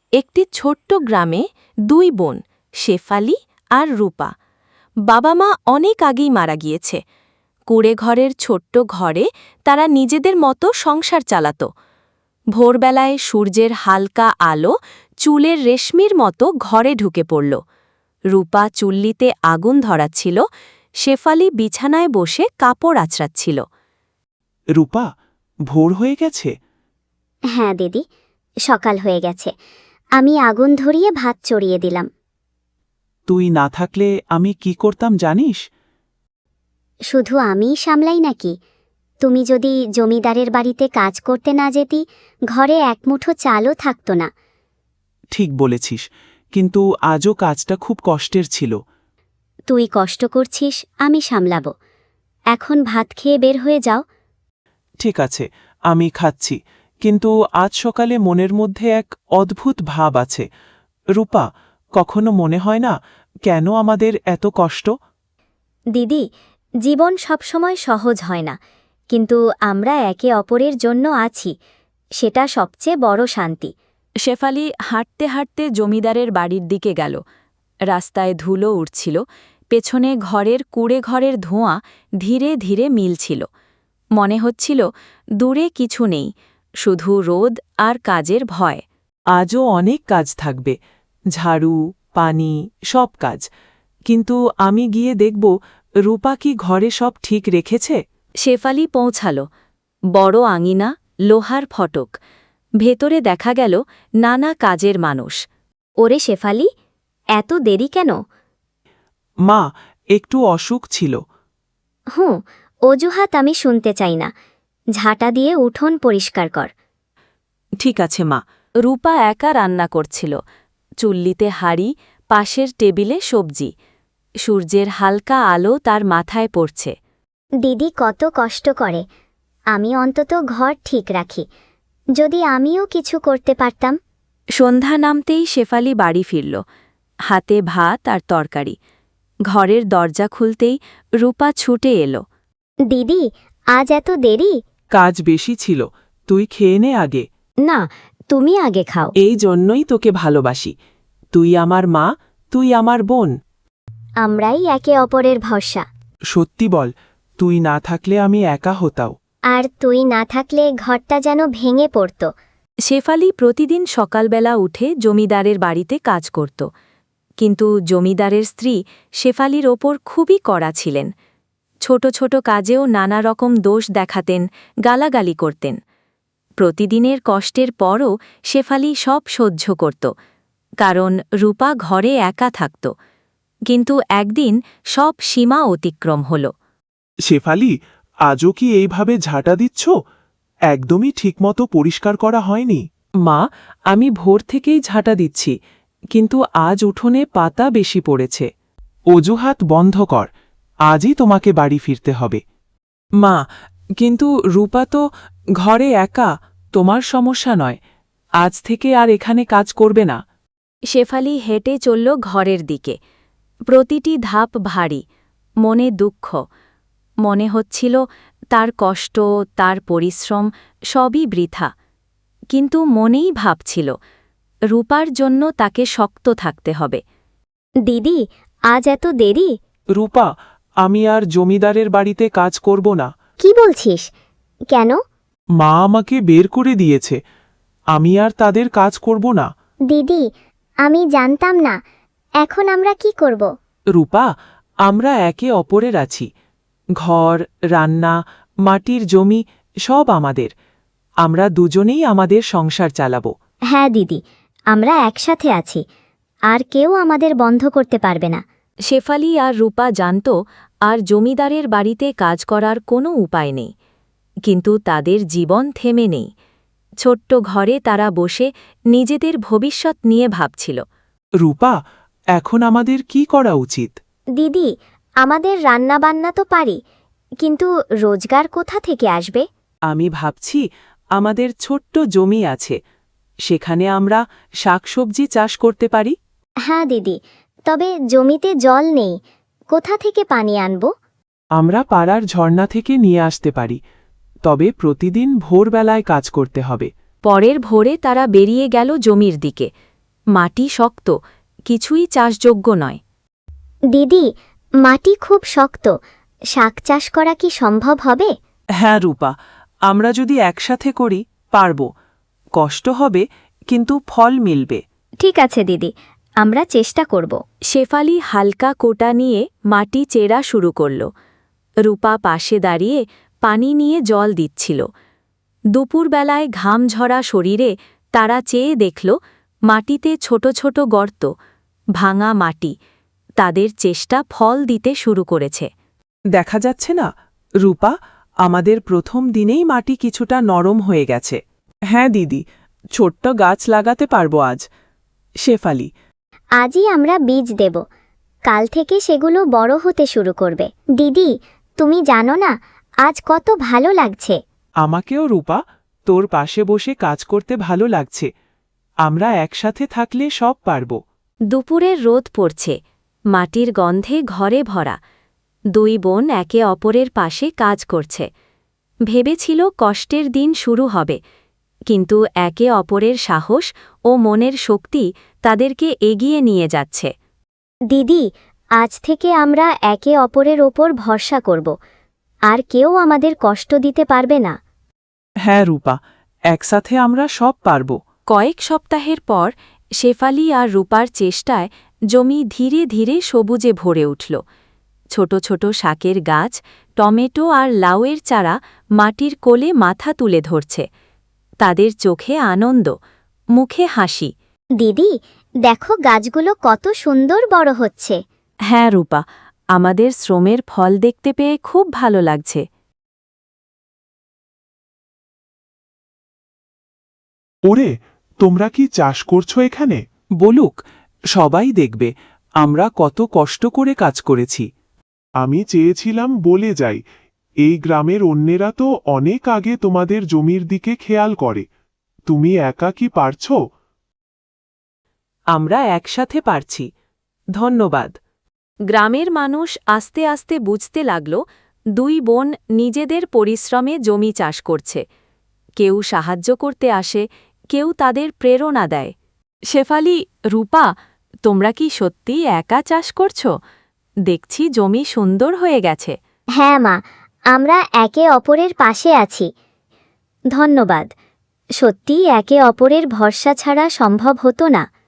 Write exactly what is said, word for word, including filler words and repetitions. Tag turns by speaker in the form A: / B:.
A: একটি ছোট্ট গ্রামে দুই বোন, শেফালি আর রূপা। বাবা মা অনেক আগেই মারা গিয়েছে। কুড়ে ঘরের ছোট্ট ঘরে তারা নিজেদের মতো সংসার চালাত। ভোরবেলায় সূর্যের হালকা আলো চুলের রেশমির মতো ঘরে ঢুকে পড়ল। রূপা চুল্লিতে আগুন ধরাচ্ছিল, শেফালি বিছানায় বসে কাপড় আঁচড়াচ্ছিল।
B: রূপা, ভোর হয়ে গেছে?
C: হ্যাঁ দিদি, সকাল হয়ে গেছে। আমি আগুন ধরিয়ে ভাত চড়িয়ে দিলাম।
B: তুই না থাকলে আমি কি করতাম জানিস?
C: শুধু আমিই সামলাই নাকি? তুমি যদি জমিদারের বাড়িতে কাজ করতে না যেতি, ঘরে এক মুঠো চালও থাকত না।
B: ঠিক বলেছিস, কিন্তু আজও কাজটা খুব কষ্টের ছিল।
C: তুই কষ্ট করছিস, আমি সামলাব। এখন ভাত খেয়ে বের হয়ে যাও।
B: ঠিক আছে, আমি খাচ্ছি, কিন্তু আজ সকালে মনের মধ্যে এক অদ্ভুত ভাব আছে। রূপা, কখনো মনে হয় না কেন আমাদের এত কষ্ট?
C: দিদি, জীবন সবসময় সহজ হয় না, কিন্তু আমরা একে অপরের জন্য আছি, সেটা সবচেয়ে বড় শান্তি।
A: শেফালি হাঁটতে হাঁটতে জমিদারের বাড়ির দিকে গেল। রাস্তায় ধুলো উঠছিল, পেছনে ঘরের কুড়ে ঘরের ধোঁয়া ধীরে ধীরে মিলছিল। মনে হচ্ছিল দূরে কিছু নেই, শুধু রোদ আর কাজের ভয়।
B: আজও অনেক কাজ থাকবে, ঝাড়ু, পানি, সব কাজ। কিন্তু আমি গিয়ে দেখব রূপা কি ঘরে সব ঠিক রেখেছে।
A: শেফালি পৌঁছাল। বড় আঙিনা, লোহার ফটক। ভেতরে দেখা গেল নানা কাজের মানুষ।
C: ওরে শেফালি, এত দেরি কেন?
B: মা, একটু অসুখ ছিল।
C: হুঁ, অজুহাত আমি শুনতে চাই না। ঝাঁটা দিয়ে উঠোন পরিষ্কার কর।
A: ঠিক আছে মা। রূপা একা রান্না করছিল। চুল্লিতে হাঁড়ি, পাশের টেবিলে সবজি। সূর্যের হালকা আলো তার মাথায় পড়ছে।
C: দিদি কত কষ্ট করে, আমি অন্তত ঘর ঠিক রাখি। যদি আমিও কিছু করতে পারতাম।
A: সন্ধ্যা নামতেই শেফালি বাড়ি ফিরল, হাতে ভাত আর তরকারি। ঘরের দরজা খুলতেই রূপা ছুটে এলো।
C: দিদি, আজ এত দেরি?
B: কাজ বেশি ছিল, তুই খেয়ে নে আগে।
C: না, তুমি আগে খাও।
B: এই জন্যই তোকে ভালোবাসি। তুই আমার মা, তুই আমার বোন।
C: আমরাই একে অপরের ভরসা।
B: সত্যি বল, তুই না থাকলে আমি একা হতাও।
C: আর তুই না থাকলে ঘরটা যেন ভেঙে পড়ত।
A: শেফালি প্রতিদিন সকালবেলা উঠে জমিদারের বাড়িতে কাজ করত। কিন্তু জমিদারের স্ত্রী শেফালির ওপর খুবই কড়া ছিলেন। ছোট ছোট কাজেও নানা রকম দোষ দেখাতেন, গালাগালি করতেন। প্রতিদিনের কষ্টের পরও শেফালি সব সহ্য করত, কারণ রূপা ঘরে একা থাকত। কিন্তু একদিন সব সীমা অতিক্রম হল।
B: শেফালি, আজও কি এইভাবে ঝাঁটা দিচ্ছ? একদমই ঠিকমতো পরিষ্কার করা হয়নি। মা, আমি ভোর থেকেই ঝাঁটা দিচ্ছি, কিন্তু আজ উঠোনে পাতা বেশি পড়েছে। অজুহাত বন্ধ কর, আজই তোমাকে বাড়ি ফিরতে হবে। মা, কিন্তু রূপা তো ঘরে একা, তোমার সমস্যা নয়। আজ থেকে আর এখানে কাজ করবে না।
A: শেফালি হেঁটে চলল ঘরের দিকে। প্রতিটি ধাপ ভারী, মনে দুঃখ। মনে হচ্ছিল তার কষ্ট, তার পরিশ্রম সবই বৃথা। কিন্তু মনেই ভাবছিল রূপার জন্য তাকে শক্ত থাকতে হবে।
C: দিদি, আজ এত দেরি?
B: রূপা, আমি আর জমিদারের বাড়িতে কাজ করব না।
C: কি বলছিস? কেন?
B: মা আমাকে বের করে দিয়েছে। আমি আর তাদের কাজ করব না।
C: দিদি, আমি জানতাম না। এখন আমরা কি করব?
B: রূপা, আমরা একে অপরের আছি। ঘর, রান্না, মাটির জমি সব আমাদের। আমরা দুজনেই আমাদের সংসার চালাব।
C: হ্যাঁ দিদি, আমরা একসাথে আছি, আর কেউ আমাদের বন্ধ করতে পারবে না।
A: শেফালি আর রূপা জানত আর জমিদারের বাড়িতে কাজ করার কোনো উপায় নেই। কিন্তু তাদের জীবন থেমে নেই। ছোট্ট ঘরে তারা বসে নিজেদের ভবিষ্যৎ নিয়ে ভাবছিল।
B: রূপা, এখন আমাদের কি করা উচিত?
C: দিদি, আমাদের রান্নাবান্না তো পারি, কিন্তু রোজগার কোথা থেকে আসবে?
B: আমি ভাবছি আমাদের ছোট্ট জমি আছে, সেখানে আমরা শাকসবজি চাষ করতে পারি।
C: হ্যাঁ দিদি, তবে জমিতে জল নেই, কোথা থেকে পানি আনব?
B: আমরা পাড়ার ঝর্ণা থেকে নিয়ে আসতে পারি, তবে প্রতিদিন ভোরবেলায় কাজ করতে হবে।
A: পরের ভোরে তারা বেরিয়ে গেল জমির দিকে। মাটি শক্ত, কিছুই চাষযোগ্য নয়।
C: দিদি, মাটি খুব শক্ত, শাক চাষ করা কি সম্ভব হবে?
B: হ্যাঁ রূপা, আমরা যদি একসাথে করি পারব। কষ্ট হবে, কিন্তু ফল মিলবে।
C: ঠিক আছে দিদি, আমরা চেষ্টা করব।
A: শেফালি হালকা কোটা নিয়ে মাটি চেরা শুরু করল। রূপা পাশে দাঁড়িয়ে পানি নিয়ে জল দিচ্ছিল। দুপুরবেলায় ঘাম ঝরা শরীরে তারা চেয়ে দেখল মাটিতে ছোট ছোট গর্ত, ভাঙা মাটি। তাদের চেষ্টা ফল দিতে শুরু করেছে।
B: দেখা যাচ্ছে না রূপা, আমাদের প্রথম দিনেই মাটি কিছুটা নরম হয়ে গেছে। হ্যাঁ দিদি, ছোট্ট গাছ লাগাতে পারবো আজ। শেফালি,
C: আজই আমরা বীজ দেব, কাল থেকে সেগুলো বড় হতে শুরু করবে। দিদি, তুমি জানো না আজ কত ভালো লাগছে।
B: আমাকেও রূপা, তোর পাশে বসে কাজ করতে ভালো লাগছে। আমরা একসাথে থাকলে সব পারব।
A: দুপুরের রোদ পড়ছে, মাটির গন্ধে ঘরে ভরা। দুই বোন একে অপরের পাশে কাজ করছে। ভেবেছিল কষ্টের দিন শুরু হবে, কিন্তু একে অপরের সাহস ও মনের শক্তি তাদেরকে এগিয়ে নিয়ে যাচ্ছে।
C: দিদি, আজ থেকে আমরা একে অপরের ওপর ভরসা করব, আর কেউ আমাদের কষ্ট দিতে পারবে না।
B: হ্যাঁ রূপা, একসাথে আমরা সব পারব।
A: কয়েক সপ্তাহের পর শেফালি আর রূপার চেষ্টায় জমি ধীরে ধীরে সবুজে ভরে উঠল। ছোট ছোট শাকের গাছ, টমেটো আর লাউয়ের চারা মাটির কোলে মাথা তুলে ধরছে। তাদের চোখে আনন্দ, মুখে হাসি।
C: দিদি, দেখো গাছগুলো কত সুন্দর বড় হচ্ছে।
A: হ্যাঁ রূপা, আমাদের শ্রমের ফল দেখতে পেয়ে খুব ভালো লাগছে।
D: ওরে, তোমরা কি চাষ করছো এখানে?
B: বলুক, সবাই দেখবে আমরা কত কষ্ট করে কাজ করেছি।
D: আমি চেয়েছিলাম বলে যাই, এই গ্রামের অন্যেরা তো অনেক আগে তোমাদের জমির দিকে খেয়াল করে। তুমি একা কি পারছো?
B: আমরা একসাথে পারছি। ধন্যবাদ।
A: গ্রামের মানুষ আস্তে আস্তে বুঝতে লাগল দুই বোন নিজেদের পরিশ্রমে জমি চাষ করছে। কেউ সাহায্য করতে আসে, কেউ তাদের প্রেরণা দেয়। শেফালি, রূপা, তোমরা কি সত্যিই একা চাষ করছো? দেখছি জমি সুন্দর হয়ে গেছে।
C: হ্যাঁ মা, আমরা একে অপরের পাশে আছি। ধন্যবাদ। সত্যিই একে অপরের ভরসা ছাড়া সম্ভব হতো না।